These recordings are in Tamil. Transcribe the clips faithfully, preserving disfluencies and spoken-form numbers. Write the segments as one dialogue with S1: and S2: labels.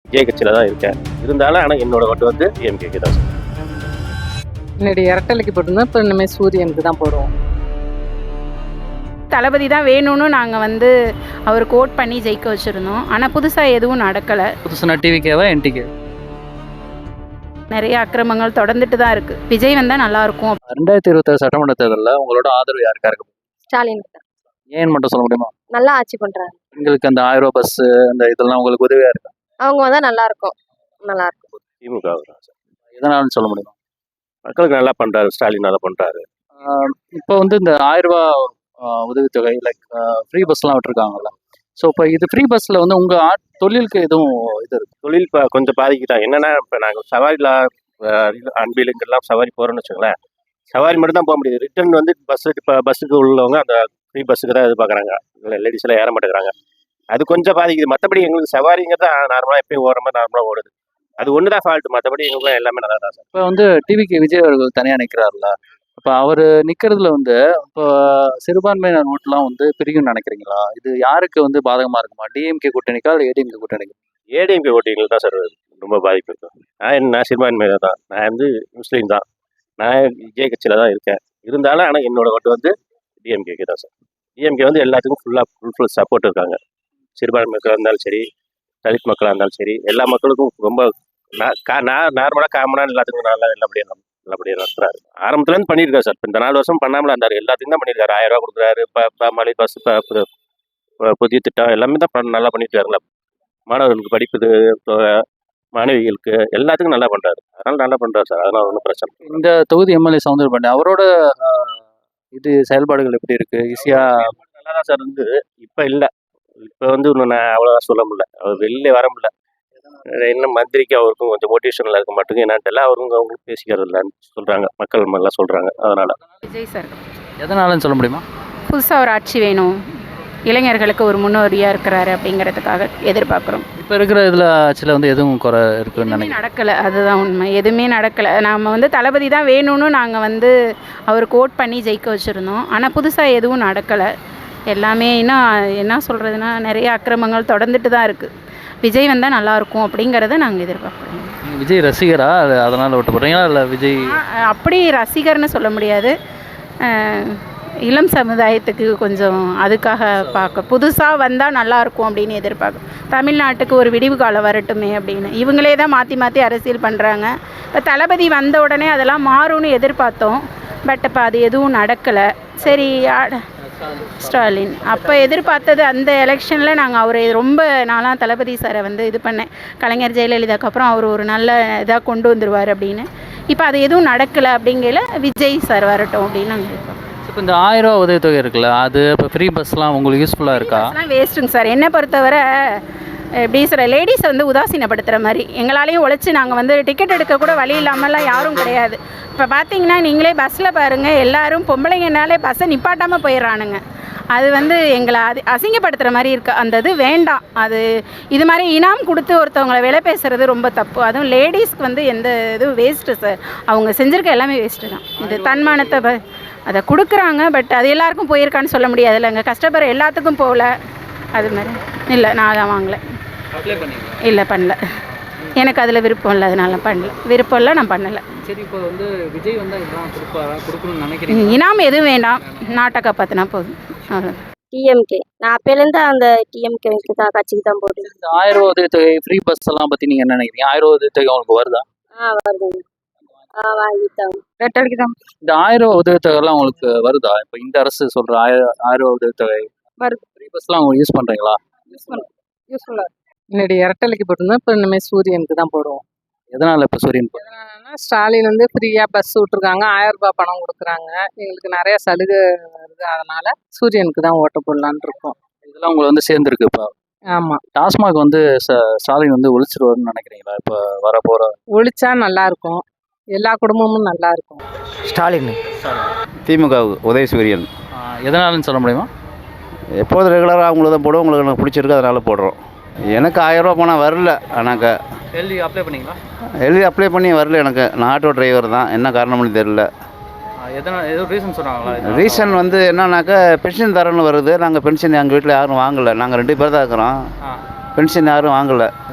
S1: விஜய் கட்சியில் தான் இருக்கேன். இருந்தாலும் ஆனால் என்னோட ஓட்டு வந்து டிஎம்கேக்கு தான்.
S2: முன்னாடி இரட்டலைக்கு போட்டிருந்தோம், இப்போ இனிமேல் சூரியனுக்கு தான் போடுவோம்.
S3: தளபதி தான் வேணும்னு நாங்கள் வந்து அவருக்கு ஓட் பண்ணி ஜெயிக்க வச்சுருந்தோம். ஆனால் புதுசாக எதுவும் நடக்கலை.
S4: புதுசுனா டிவிக்கேவா என்டிகே?
S3: நிறைய அக்கிரமங்கள் தொடர்ந்துட்டு தான் இருக்குது. விஜய் வந்தால் நல்லாயிருக்கும்.
S4: ரெண்டாயிரத்தி இருபத்தாறு சட்டமன்ற தேர்தலில் உங்களோட ஆதரவு யாருக்கா இருக்கு?
S5: ஸ்டாலின்
S4: ஏன் மட்டும் சொல்ல முடியுமா?
S5: நல்லா ஆட்சி பண்றாங்க.
S4: உங்களுக்கு அந்த ஆயிரம் ரூபாய் பஸ் அந்த இதெல்லாம் உங்களுக்கு உதவியா இருக்கா?
S5: அவங்க வந்தா நல்லா இருக்கும். நல்லா இருக்கும்.
S1: திமுக
S4: எதனாலும் சொல்ல முடியுமா?
S1: மக்களுக்கு நல்லா பண்ணுறாரு, ஸ்டாலின் நல்லா பண்ணுறாரு.
S4: இப்போ வந்து இந்த ஆயிரம் ரூபாய் உதவித்தொகை லைக் ஃப்ரீ பஸ்லாம் விட்டுருக்காங்கல்ல, ஸோ இப்போ இது ஃப்ரீ பஸ்ஸில் வந்து உங்கள் ஆட் தொழிலுக்கு எதுவும் இது இருக்கு?
S1: தொழில் இப்போ கொஞ்சம் பாதிக்கிட்டாங்க. என்னென்னா இப்போ நாங்கள் சவாரியில் அன்பிலுங்கெல்லாம் சவாரி போகிறோன்னு வச்சுங்களேன், சவாரி மட்டும் தான் போக முடியுது. ரிட்டர்ன் வந்து பஸ்ஸுக்கு இப்போ பஸ்ஸுக்கு உள்ளவங்க அந்த ஃப்ரீ பஸ்ஸுக்கு தான் எதிர்பார்க்குறாங்க. லேடிஸ் எல்லாம் ஏற மாட்டேங்கிறாங்க. அது கொஞ்சம் பாதிக்குது. மற்றபடி எங்களுக்கு சவாரிங்கிறது நார்மலாக எப்பயும் ஓடுற மாதிரி நார்மலாக ஓடுது. அது ஒன்று தான் ஃபால்ட்டு. மற்றபடி எங்களுக்குலாம் எல்லாமே நல்லா தான் சார்.
S4: இப்போ வந்து டிவிக்கு விஜய் அவர்கள் தனியாக நிற்கிறாருல, இப்போ அவர் நிற்கிறதுல வந்து இப்போ சிறுபான்மையினர் ஓட்டுலாம் வந்து பிரிக்கும்னு நினைக்கிறீங்களா? இது யாருக்கு வந்து பாதகமாக இருக்குமா? டிஎம்கே கூட்டணிக்கா இல்லை ஏடிஎம்கே கூட்டணிக்கு?
S1: ஏடிஎம்கே ஓட்டிங்களுக்கு தான் சார் ரொம்ப பாதிப்பு இருக்கும். நான் என்ன சிறுபான்மையினர் தான், நான் வந்து முஸ்லீம் தான், நான் விஜய் கட்சியில் தான் இருக்கேன். இருந்தாலும் ஆனால் என்னோட ஓட்டு வந்து டிஎம்கேக்கு தான் சார். டிஎம்கே வந்து எல்லாத்துக்கும் ஃபுல்லாக ஃபுல் ஃபுல் சப்போர்ட் இருக்காங்க. சிறுபான்மை மக்களாக இருந்தாலும் சரி, தலித் மக்களாக இருந்தாலும் சரி, எல்லா மக்களுக்கும் ரொம்ப நான் நார்மலாக காமனாக எல்லாத்துக்கும் நல்லா நல்லபடியாக நல்லபடியாக நடத்துறாரு. ஆரம்பத்துலேருந்து பண்ணியிருக்காரு சார். இந்த நாலு வருஷம் பண்ணாமல் இருந்தார். எல்லாத்துக்கும் தான் பண்ணியிருக்காரு. ஆயிரம் ரூபா கொடுக்குறாரு, இப்போ மலை பஸ் புதிய திட்டம் எல்லாமே தான் நல்லா பண்ணியிருக்காருங்களா. மாணவர்களுக்கு படிப்பு தொகை, மாணவிகளுக்கு எல்லாத்துக்கும் நல்லா பண்ணுறாரு. அதனால் நல்லா பண்ணுறாரு சார். அதனால் ஒன்றும் பிரச்சனை.
S4: இந்த தொகுதி எம்எல்ஏ சவுந்தரபாண்டி அவரோட இது செயல்பாடுகள் எப்படி இருக்குது? ஈஸியாக
S1: நல்லா தான் சார் இருந்து. இப்போ இல்லை, இப்போ வந்து இன்னும் நான் அவ்வளோதான் சொல்ல முடியல. அவர் வெளியே வர முடியல. இன்னும் மந்திரிக்கு அவருக்கும் கொஞ்சம் மோட்டிவேஷனில் இருக்க மாட்டேங்குது. என்னன்ட்டு எல்லாம் அவருங்க அவங்களுக்கு பேசிக்கிறது இல்லைன்னு சொல்கிறாங்க. மக்கள் எல்லாம் சொல்கிறாங்க. அதனால்
S3: விஜய் சார்
S4: எதனாலன்னு சொல்ல முடியுமா?
S3: புதுசாக ஒரு ஆட்சி வேணும், இளைஞர்களுக்கு ஒரு முன்னோடியாக இருக்கிறாரு அப்படிங்கிறதுக்காக எதிர்பார்க்குறோம்.
S4: இப்போ இருக்கிற இதில் ஆட்சியில் வந்து எதுவும் குறை இருக்குன்னு நினைக்கிறேன்.
S3: நடக்கலை, அதுதான் உண்மை. எதுவுமே நடக்கலை. நாம் வந்து தளபதி தான் வேணும்னு நாங்கள் வந்து அவருக்கு ஓட் பண்ணி ஜெயிக்க வச்சுருந்தோம். ஆனால் புதுசாக எதுவும் நடக்கலை. எல்லாமே இன்னும் என்ன சொல்கிறதுனா நிறைய அக்கிரமங்கள் தொடர்ந்துட்டு தான் இருக்குது. விஜய் வந்தால் நல்லாயிருக்கும் அப்படிங்கிறத நாங்கள் எதிர்பார்க்குறோம்.
S4: விஜய் ரசிகரா அதனால் ஓட்டு போடுறீங்களா இல்லை விஜய்?
S3: அப்படி ரசிகர்னு சொல்ல முடியாது. இளம் சமுதாயத்துக்கு கொஞ்சம் அதுக்காக பார்க்க புதுசாக வந்தால் நல்லாயிருக்கும் அப்படின்னு எதிர்பார்க்கும். தமிழ்நாட்டுக்கு ஒரு விடிவு காலம் வரட்டுமே அப்படின்னு இவங்களே தான் மாற்றி மாற்றி அரசியல் பண்ணுறாங்க. இப்போ தளபதி வந்த உடனே அதெல்லாம் மாறும்னு எதிர்பார்த்தோம். பட் இப்போ அது எதுவும் நடக்கலை. சரி, ஸ்டாலின் அப்போ எதிர்பார்த்தது அந்த எலெக்ஷனில் நாங்கள் அவரை ரொம்ப நாளாக தளபதி சாரை வந்து இது பண்ணேன். கலைஞர் ஜெயலலிதாக்கு அப்புறம் அவர் ஒரு நல்ல இதாக கொண்டு வந்துடுவார் அப்படின்னு. இப்போ அது எதுவும் நடக்கலை. அப்படிங்கல விஜய் சார் வரட்டும் அப்படின்னு நாங்கள் இருக்கோம்.
S4: இப்போ இந்த ஆயிரம் ரூபா உதவித்தொகை இருக்குல்ல, அது இப்போ ஃப்ரீ பஸ்லாம் உங்களுக்கு யூஸ்ஃபுல்லாக இருக்கா?
S3: அதெல்லாம் வேஸ்ட்டுங்க சார். என்னை பொறுத்தவரை எப்படி சார், லேடிஸை வந்து உதாசீனப்படுத்துகிற மாதிரி. எங்களாலேயும் உழைச்சி நாங்கள் வந்து டிக்கெட் எடுக்க கூட வழி இல்லாமல்லாம் யாரும் கிடையாது. இப்போ பார்த்தீங்கன்னா நீங்களே பஸ்ஸில் பாருங்கள், எல்லோரும் பொம்பளைங்கனாலே பஸ்ஸை நிப்பாட்டாமல் போயிடுறானுங்க. அது வந்து எங்களை அது அசிங்கப்படுத்துகிற மாதிரி இருக்குது. அந்த இது வேண்டாம். அது இது மாதிரி இனாம் கொடுத்து ஒருத்தவங்களை விலை பேசுகிறது ரொம்ப தப்பு. அதுவும் லேடிஸ்க்கு வந்து எந்த இதுவும் வேஸ்ட்டு சார். அவங்க செஞ்சுருக்க எல்லாமே வேஸ்ட்டு தான். இது தன்மானத்தை ப அதை கொடுக்குறாங்க. பட் அது எல்லாருக்கும் போயிருக்கான்னு சொல்ல முடியாது இல்லைங்க. கஷ்டப்படுற எல்லாத்துக்கும் போகல. அது மாதிரி இல்லை, நான் தான் வாங்கலை. இல்லை, பண்ணல. எனக்கு அதில் விருப்பம் இல்லை, அதனால பண்ணல. விருப்பம் இல்லை, நான் பண்ணலை.
S4: சரி, இப்போ வந்து விஜய் வந்தால் இதெல்லாம் கொடுப்பாரா கொடுக்கணும்னு நினைக்கிறீங்க?
S3: இனாம் எதுவும் வேண்டாம், நாட்டை காப்பாற்றினா போதும். அவ்வளோ.
S5: டிஎம்கே நான் அப்போலேருந்து அந்த டிஎம்கே தான் கட்சிக்கு தான் போடுறேன்.
S4: இந்த ஆயிரம் ரூபா உதவித்தொகை ஃப்ரீ பஸ் எல்லாம் பற்றி நீங்கள் என்ன நினைக்கிறீங்க? ஆயிரம் ரூபா உதவித்தொகை உங்களுக்கு வருதா?
S5: ஆ வருதுங்க. ஆ வாங்கிட்டாங்க. ரெட்டலைக்கு தான்.
S4: இந்த ஆயிரம் ரூபா உதவித்தொகைலாம் உங்களுக்கு வருதா? இப்போ இந்த அரசு சொல்கிற ஆயிரம் ஆயிரம் ரூபா உதவித்தொகை
S5: வருது.
S4: ஃப்ரீ பஸ்லாம் உங்களுக்கு யூஸ் பண்ணுறீங்களா?
S5: யூஸ் பண்ண யூஸ்ஃபுல்லாக இருக்குது.
S2: முன்னாடி இரட்டலைக்கு போட்டிருந்தோம், இப்போ இனிமேல் சூரியனுக்கு தான் போடுவோம்.
S4: எதனால் இப்போ சூரியன்?
S2: எதனாலனா ஸ்டாலின் வந்து ஃப்ரீயாக பஸ் விட்ருக்காங்க, ஆயிரம் ரூபாய் பணம் கொடுக்குறாங்க, எங்களுக்கு நிறைய சலுகை வருது. அதனால் சூரியனுக்கு தான் ஓட்ட போடலான்னு இருக்கோம்.
S4: இதெல்லாம் உங்களுக்கு வந்து சேர்ந்துருக்கு. இப்போ
S2: ஆமாம்,
S4: டாஸ்மாக் வந்து ஸ்டாலின் வந்து ஒழிச்சிருவாருன்னு நினைக்கிறீங்களா? இப்போ வர போகிற
S2: ஒழிச்சா நல்லாயிருக்கும், எல்லா குடும்பமும் நல்லா இருக்கும்.
S6: ஸ்டாலின் திமுக உதய சூரியன்.
S4: எதனாலன்னு சொல்ல முடியுமா?
S6: எப்போதும் ரெகுலராக அவங்களுக்கு தான் போடுவோம். உங்களுக்கு எனக்கு பிடிச்சிருக்கு, அதனால் போடுறோம். எனக்கு ஆயிரம் ரூபா பணம் வரல. எனக்கு
S4: எழுதி அப்ளை பண்ணிங்களா?
S6: எழுதி அப்ளை பண்ணி வரல. எனக்கு நான் ஆட்டோ டிரைவர் தான். என்ன காரணம்னு தெரியல.
S4: எதனால் ஏதோ ரீசன் சொன்னாங்களா?
S6: ரீசன் வந்து என்னன்னாக்கா பென்ஷன் தரேன்னு வருது. நாங்கள் பென்ஷன் எங்கள் வீட்டில் யாரும் வாங்கலை. நாங்கள் ரெண்டு பேர் தான் இருக்கிறோம். பென்ஷன் யாரும் வாங்கலை.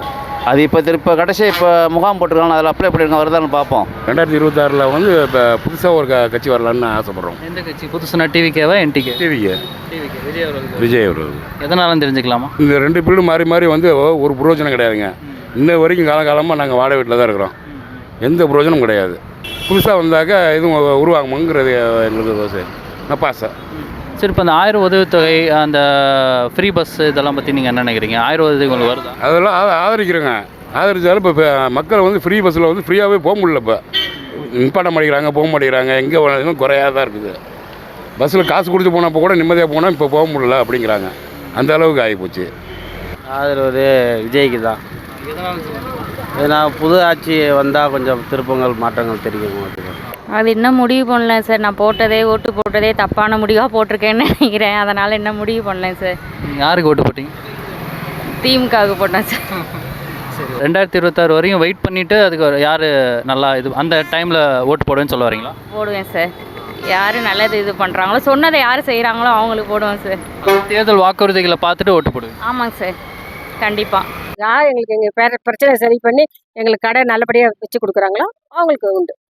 S6: அது இப்போ திருப்ப கடைசி இப்போ முகாம் போட்டிருக்காங்க, அதில் அப்ளை பண்ணியிருக்காங்க, வருதான்னு பார்ப்போம்.
S7: ரெண்டாயிரத்தி இருபத்தாறில் வந்து இப்போ புதுசாக ஒரு க கட்சி வரலான்னு ஆசைப்பட்றோம்.
S4: எந்த கட்சி புதுசுனா டிவிகேவா என்டிகே?
S7: டிவிக்கு
S4: டிவிகே விஜய் அவர்கள்.
S7: விஜய் அவர்கள்.
S4: எதனாலும் தெரிஞ்சுக்கலாமா?
S7: இந்த ரெண்டு பீரியடும் மாறி மாறி வந்து ஒரு பிரயோஜனம் கிடையாதுங்க. இன்ன வரைக்கும் காலகாலமாக நாங்கள் வாடகை வீட்டில் தான் இருக்கிறோம். எந்த பிரயோஜனமும் கிடையாது. புதுசாக வந்தாக்கா எதுவும் உருவாகுமோங்கிறது எங்களுக்கு நப்பாசை.
S4: சரி, இப்போ அந்த ஆயிரம் உதவித்தொகை, அந்த ஃப்ரீ பஸ் இதெல்லாம் பற்றி நீங்கள் என்ன நினைக்கிறீங்க? ஆயிரம் உதவி உங்களுக்கு வருதா?
S7: அதெல்லாம் ஆ ஆதரிக்கிறோங்க. ஆதரித்தாலும் இப்போ மக்கள் வந்து ஃப்ரீ பஸ்ஸில் வந்து ஃப்ரீயாகவே போக முடியல. இப்போ நிப்பாட்ட மாட்டேங்கிறாங்க, போக மாட்டேங்கிறாங்க. எங்கே போனாலும் குறையாக தான் இருக்குது. பஸ்ஸில் காசு கொடுத்து போனப்போ கூட நிம்மதியாக போனால் இப்போ போக முடியல அப்படிங்கிறாங்க. அந்த அளவுக்கு ஆகிப்போச்சு.
S8: ஆதரவு விஜய்க்கு தான். ஏன்னா புது ஆட்சி வந்தால் கொஞ்சம் திருப்பங்கள் மாற்றங்கள் தெரியும்.
S5: அது இன்னும் முடிவு பண்ணல சார். நான் போட்டதே ஓட்டு போட்டதே தப்பான முடிவாக போட்டிருக்கேன்னு நினைக்கிறேன். அதனால் இன்னும் முடிவு பண்ணல சார்.
S4: நீங்கள் யாருக்கு ஓட்டு போட்டீங்க?
S5: திமுகவுக்கு போட்டேன் சார்.
S4: சரி, ரெண்டாயிரத்தி இருபத்தாறு வரையும் வெயிட் பண்ணிவிட்டு அதுக்கு ஒரு யார் நல்லா இது அந்த டைமில் ஓட்டு போடுவேன்னு சொல்ல வரீங்களா?
S5: போடுவேன் சார். யார் நல்லது இது பண்ணுறாங்களோ, சொன்னதை யார் செய்கிறாங்களோ அவங்களுக்கு போடுவேன் சார்.
S4: தேர்தல் வாக்குறுதிகளை பார்த்துட்டு ஓட்டு போடுவேன்.
S5: ஆமாங்க சார், கண்டிப்பாக.
S9: யார் எங்களுக்கு எங்கள் பேர பிரச்சனை சரி பண்ணி எங்களுக்கு கடை நல்லபடியாக வச்சு கொடுக்குறாங்களோ அவங்களுக்கு உண்டு.